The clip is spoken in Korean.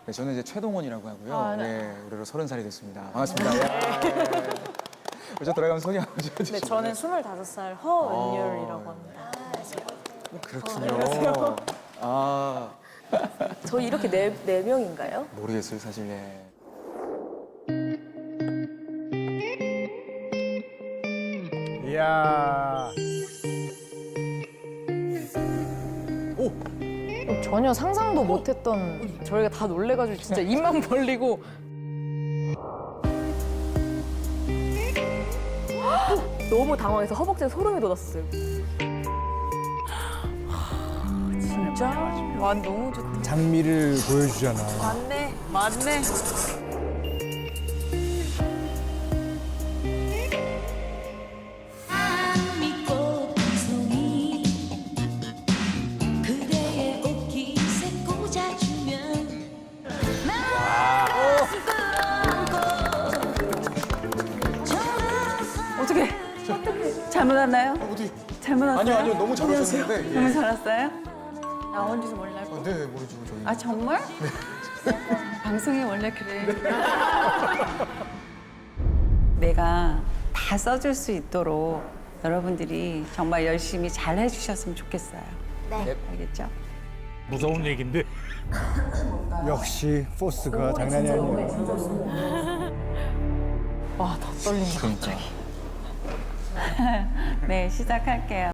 네, 저는 이제 최동원이라고 하고요. 아, 네. 네, 올해로 30살이 됐습니다. 반갑습니다. 예. 먼저 들어가면 소개 한번 해주시죠. 네, 저는 25살 허은율이라고 합니다. 그렇군요. 아, 저희 이렇게 네 명인가요? 모르겠어요, 사실. 네. 이야. 전혀 상상도 못했던 저희가 다 놀래가지고 진짜 입만 벌리고 너무 당황해서 허벅지에 소름이 돋았어요. 진짜 와 너무 좋다. 장미를 보여주잖아. 맞네. 맞네. 믿고 송이 그대의 옷깃에 꽂아주면 어떻게? 잘못 왔나요? 어디? 잘못 왔어요? 아니요, 아니요, 너무 잘하셨는데. 너무 잘 왔어요? 나온지도 몰랐고. 네, 모르죠, 저희. 아 정말? 방송이 원래 그래. 내가 다 써줄 수 있도록 여러분들이 정말 열심히 잘 해주셨으면 좋겠어요. 네. 알겠죠? 무서운 얘긴데. 역시 포스가 장난이 아니에요. 와 더 떨린다 갑자기. 네, 시작할게요.